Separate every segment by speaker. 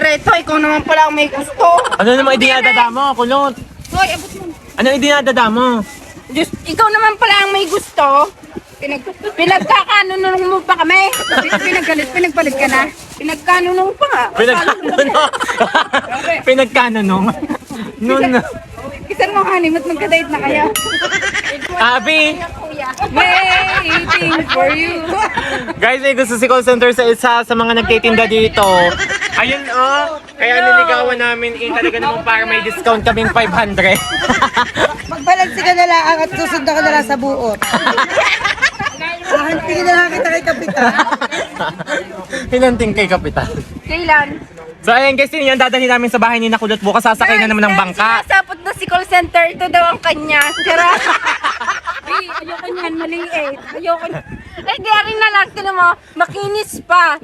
Speaker 1: Reto, ikaw naman pala ang may gusto.
Speaker 2: Ano naman idinadada mo, kulot?
Speaker 1: Hoy, abot mo.
Speaker 2: Ano idinadada mo?
Speaker 1: Diyos, ikaw naman pala ang may gusto. Pinagkakanunong mo pa kami. Pinagpalit ka na. Pinagkanunong pa nga.
Speaker 2: Pinagkanunong. Pinagkanunong. Nun.
Speaker 1: Kisan mo, honey, mat magka-date na kayo.
Speaker 2: Abi!
Speaker 1: Waiting for you.
Speaker 2: Guys, may gusto si call center sa isa sa mga nagtitinda dito. Ayun oh, kaya niligawan namin talaga naman para may discount kaming 500.
Speaker 3: Magbalansi ka na lang at susundan ka na lang sa buot. Tingin na lang kita kay Kapitan.
Speaker 2: Hinanting kay Kapitan.
Speaker 1: Kailan?
Speaker 2: So ayun guys, yun yung dadalhin namin sa bahay ni Nakulot. Bukas sasakay na naman ng bangka.
Speaker 1: Sinasapot na si call center. Ito daw ang kanya. Tira. Ay, ayoko niyan. Maliit. Ayoko niyan. Eh, di rin na lang. Tinan mo, makinis pa.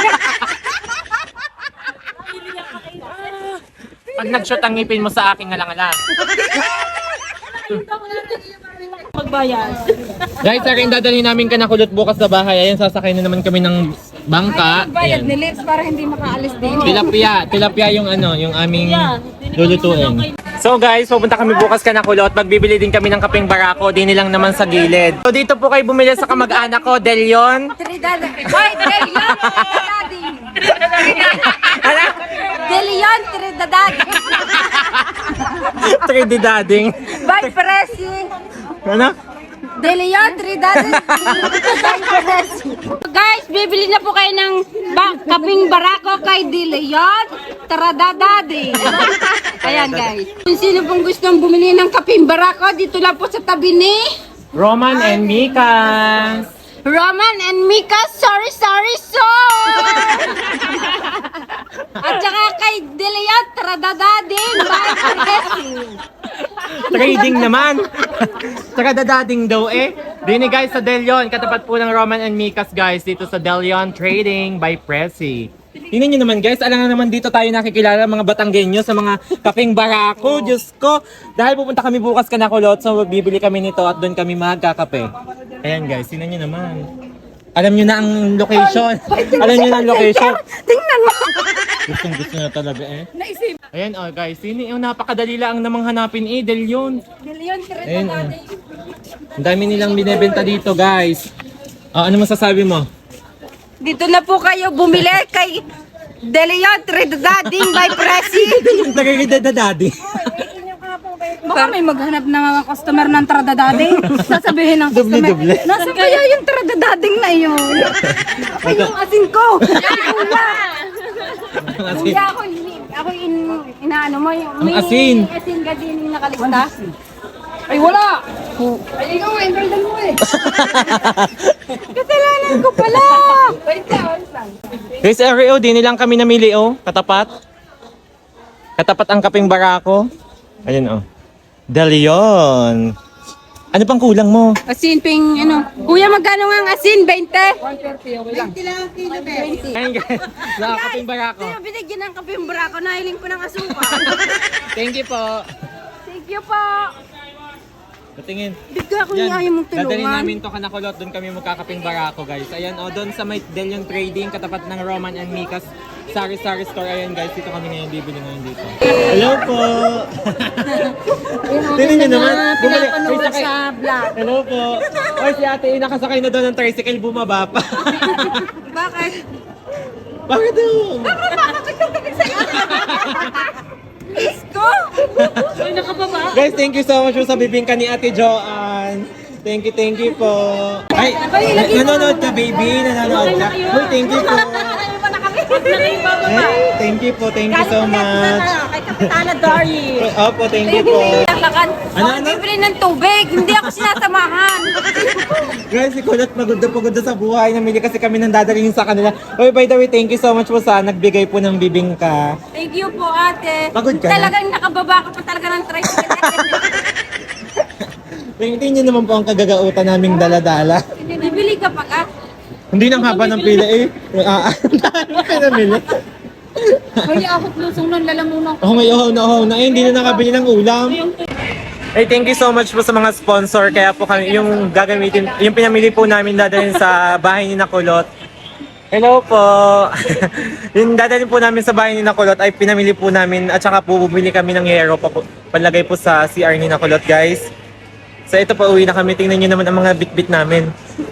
Speaker 2: Pag nag-shoot ang ngipin mo sa aking ngalang-ala.
Speaker 1: Magbayad.
Speaker 2: Guys, akin dadalhin namin ka Nakulot bukas sa bahay. Ayun, sasakay na naman kami ng bangka.
Speaker 1: Bayad
Speaker 2: Ayan.
Speaker 1: ni Lips para hindi makaalis din.
Speaker 2: Tilapia yung yung aming lulutuin. So guys, pupunta kami bukas ka Nakulot. Magbibili din kami ng kapeng barako, din nilang naman sa gilid. So dito po kayo bumili sa kamag-anak ko, Delion.
Speaker 1: Trinidad. Hoy, Delion, Trinidad.
Speaker 2: Ano?
Speaker 1: Delion, Trinidad.
Speaker 2: 3D dading.
Speaker 1: By Presi.
Speaker 2: Ano?
Speaker 1: Delion, Trinidad. By Presi. Guys, bibili na po kayo ng kaping barako kay Delion Tradadadi. Ayan guys. Kung sino pong gustong bumili ng kaping barako, dito lang po sa tabi ni
Speaker 2: Roman and Mika.
Speaker 1: Roman and Mika, sorry. At saka kay Delion Tradadadi. By Presi.
Speaker 2: Trading naman. Saka dadading daw eh. Dini guys sa Delion, katapat po ng Roman and Mika's guys dito sa Delion Trading by Presi. Tingnan nyo naman guys, alam nga naman dito tayo nakikilala mga Batanggenyo sa mga kapeng barako. Diyos ko, dahil pupunta kami bukas ka Nakulot, so bibili kami nito at doon kami magkakape. Ayan guys, tingnan nyo naman. Alam nyo na ang location. Alam nyo na ang location.
Speaker 1: Tingnan mo.
Speaker 2: Gusto na talaga eh.
Speaker 1: Naisip.
Speaker 2: Ayan oh guys, napakadali lang namang hanapin eh, Delion.
Speaker 1: Delion
Speaker 2: Ayun,
Speaker 1: Tradadadi.
Speaker 2: Ang dami nilang binebenta dito, guys. Ano masasabi mo?
Speaker 1: Dito na po kayo bumili kay Delion Tradadadi by Presi.
Speaker 2: Nagagidadadadi.
Speaker 1: Baka may maghanap na mga customer ng Tradadadi. Sasabihin ng customer,
Speaker 2: Doble-doble.
Speaker 1: nasa kaya yung Tradadading na yun? Ako yung asin ko. Kuya, inaano mo yung
Speaker 2: Ang asin.
Speaker 1: asin ka din yung nakalista. Ay, wala! Ay, ikaw, enrolldan mo eh. Kasalanan ko pala! Wait lang.
Speaker 2: Guys, RO, di nilang kami namili, oh. Katapat. Katapat ang kaping barako. Ayun, oh. Delion. Ano pang kulang mo?
Speaker 1: Asin, ping, ano. Kuya, magkano nga ang asin? 20?
Speaker 3: 20 lang ang kilo, be.
Speaker 2: Ayun, guys. Kaping barako.
Speaker 1: Sa'yo, binigyan ng kape yung barako. Nahiling ko ng asukal.
Speaker 2: Thank you po.
Speaker 1: Thank you po.
Speaker 2: Patingin.
Speaker 1: Bigla ko niya ayaw mong
Speaker 2: Dadalhin
Speaker 1: tulungan.
Speaker 2: namin to ka Nakulot. Doon kami magkakaping barako, guys. Ayan, oh, doon sa may Delion Trading, katapat ng Roman and Mika's Sari-Sari Store. Ayan, guys, dito kami ngayon, bibili ngayon dito. Hello po! Tingnan nyo naman.
Speaker 1: Pinapanood
Speaker 2: sakay.
Speaker 1: sa vlog.
Speaker 2: Hello po. Oy, si ate, nakasakay na doon ng tricycle, bumaba pa.
Speaker 1: Bakit?
Speaker 2: Bakit daw?
Speaker 1: Isko! Ay, nakababa.
Speaker 2: Guys, thank you so much po sa bibingka ni Ate Joanne. Thank you po. Ay, nanonood ka, baby? Nanonood ka? Uy, thank you po. Ay, thank you so much.
Speaker 1: Kay Kapitana Dari.
Speaker 2: Opo, thank you po.
Speaker 1: Ano? Bibili ng tubig. Hindi ako sinasamahan.
Speaker 2: Guys, si Kulot pagod na sa buhay. Namili kasi kami ng dadalhin sa kanila. Uy, by the way, thank you so much po sa nagbigay po ng bibingka.
Speaker 1: Thank you po, ate.
Speaker 2: Pagod ka na?
Speaker 1: Talagang nakababa ka pa talaga ng tricycle.
Speaker 2: Tingnan niyo naman po ang kagagautan naming dala-dala.
Speaker 1: Bibili ka pa ka.
Speaker 2: Hindi nang haba ng pila eh. Ano pinamili?
Speaker 1: Hoy, akot lusong nun, lalamunan ko.
Speaker 2: Ako may uhaw na eh. Hindi na nakabili ng ulam. Hey, thank you so much po sa mga sponsor. Kaya po kami, yung gagamitin, yung pinamili po namin dadalhin sa bahay ni Nakulot. Hello po. Yung dadalhin po namin sa bahay ni Nakulot ay pinamili po namin at saka po bumili kami ng yero panlagay po sa CR ni Nakulot, guys. So ito po, uwi na kami. Tingnan nyo naman ang mga bit-bit namin.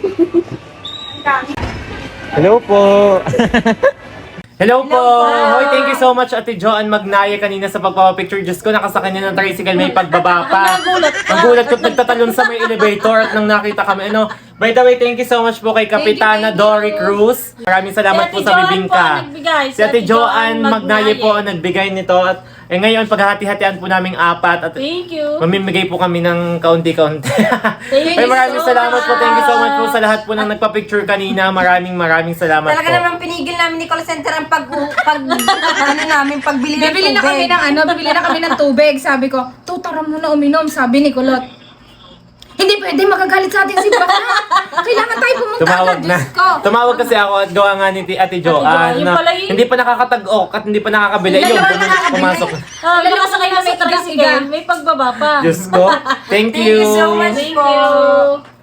Speaker 2: Hello po. Hello po! Hoy, thank you so much, Ate Joanne Magnaya kanina sa pagpapapicture. Diyos ko, nakasakay niya ng tricycle, may pagbaba pa. Ang gulat ko't nagtatalon sa may elevator at nang nakita kami. Ano, by the way, thank you so much po kay Kapitana Dory Cruz. Maraming salamat po sa bibingka. Si Ate Joanne Magnaya po ang nagbigay nito. At ngayon, paghahati-hatian po naming apat. At
Speaker 4: Thank you.
Speaker 2: mamimigay po kami ng kaunti-kaunti.
Speaker 4: Thank
Speaker 2: Ay,
Speaker 4: you
Speaker 2: maraming
Speaker 4: so
Speaker 2: salamat po.
Speaker 4: much.
Speaker 2: Thank you so much po sa lahat po nang nagpa-picture kanina. Maraming salamat
Speaker 1: Talaga
Speaker 2: po.
Speaker 1: naman pinigil namin ni call center ang ano namin, pagbili ng
Speaker 5: Bibili na kami
Speaker 1: tubig.
Speaker 5: ng bibili na kami ng tubig. Sabi ko, tutara mo na uminom, sabi ni Kulot. Hindi pwede, magagalit sa ating si Baka. Kailangan tayo pumunta
Speaker 2: Tumawag
Speaker 5: agad,
Speaker 2: na.
Speaker 5: Diyos ko.
Speaker 2: Tumawag kasi ako at gawa nga ni Ate Joanne.
Speaker 4: Yung
Speaker 2: na
Speaker 4: pala yun.
Speaker 2: hindi pa nakakatag-ok at hindi pa nakakabili.
Speaker 5: Hindi
Speaker 2: Yun,
Speaker 5: pa
Speaker 2: ganun,
Speaker 5: nakakabili.
Speaker 2: pumasok.
Speaker 4: Nakasakay na sa tricycle. May pagbaba pa.
Speaker 2: Diyos ko. Thank
Speaker 1: Thank you so
Speaker 2: you.
Speaker 1: much
Speaker 4: Thank
Speaker 1: po.
Speaker 4: you.